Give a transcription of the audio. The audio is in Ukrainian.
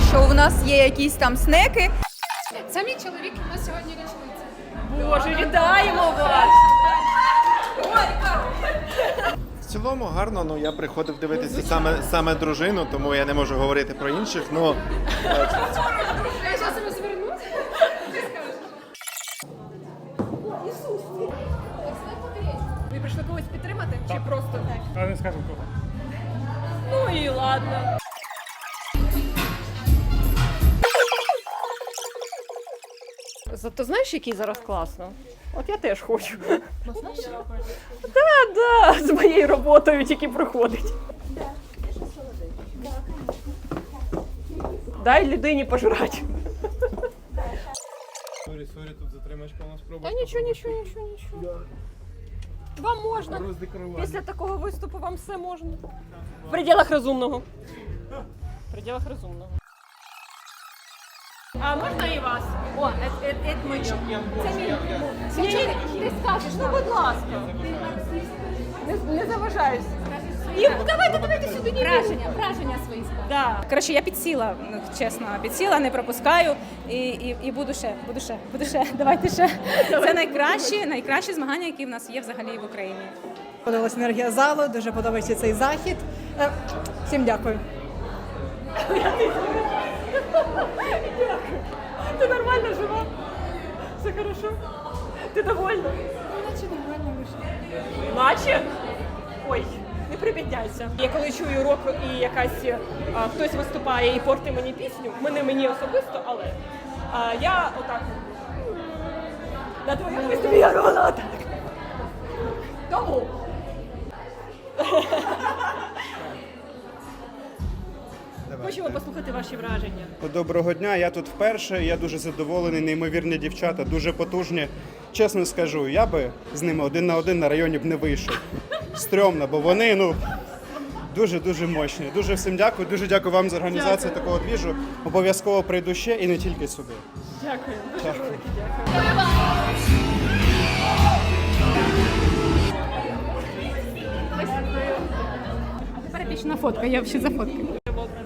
що у нас є якісь там снеки. Це мій чоловік, у нас сьогодні річниця. Боже, вітаємо вас! В цілому гарно, ну я приходив дивитися саме дружину, тому я не можу говорити про інших. Ну Я зараз себе зверну. Ви прийшли когось підтримати? Чи просто так? Але не скажемо кого. Ну і ладно. Зато знаєш, який зараз класно? От я теж хочу. Так, з моєю роботою тільки проходить. Дай людині пожрати. сорі, тут затримачка у нас пробує. Та нічого. Вам можна. Після такого виступу вам все можна. В пределах розумного. В пределах розумного. А можна і вас? О, це моє. Це мій. Ти скажеш, ну будь ласка. Не заважаюсь. І давайте сюди. Враження свої скажу. Да. Коротше, я підсіла, чесно, не пропускаю і буду ще. Давайте ще. Це найкращі змагання, які в нас є взагалі в Україні. Подобалась енергія залу, дуже подобається цей захід. Всім дякую. Ти нормально жива? Все хорошо? Ти довольна? Наче нормально вийшло. Наче? Ой, не прибідняйся. Я коли чую рок і якась хтось виступає і портить мені пісню, мені особисто, але я отак на твоєму виступі я робила отак. Тому. Хочемо послухати ваші враження. Доброго дня, я тут вперше, я дуже задоволений, неймовірні дівчата, дуже потужні. Чесно скажу, я би з ними один на один на районі б не вийшов. Стрьомно, бо вони, дуже-дуже мощні. Дуже всім дякую, дуже дякую вам за організацію такого двіжу. Обов'язково прийду ще і не тільки сюди. Дякую, дуже Дякую. велике дякую. Тепер більше на фотка, я ще за фотки.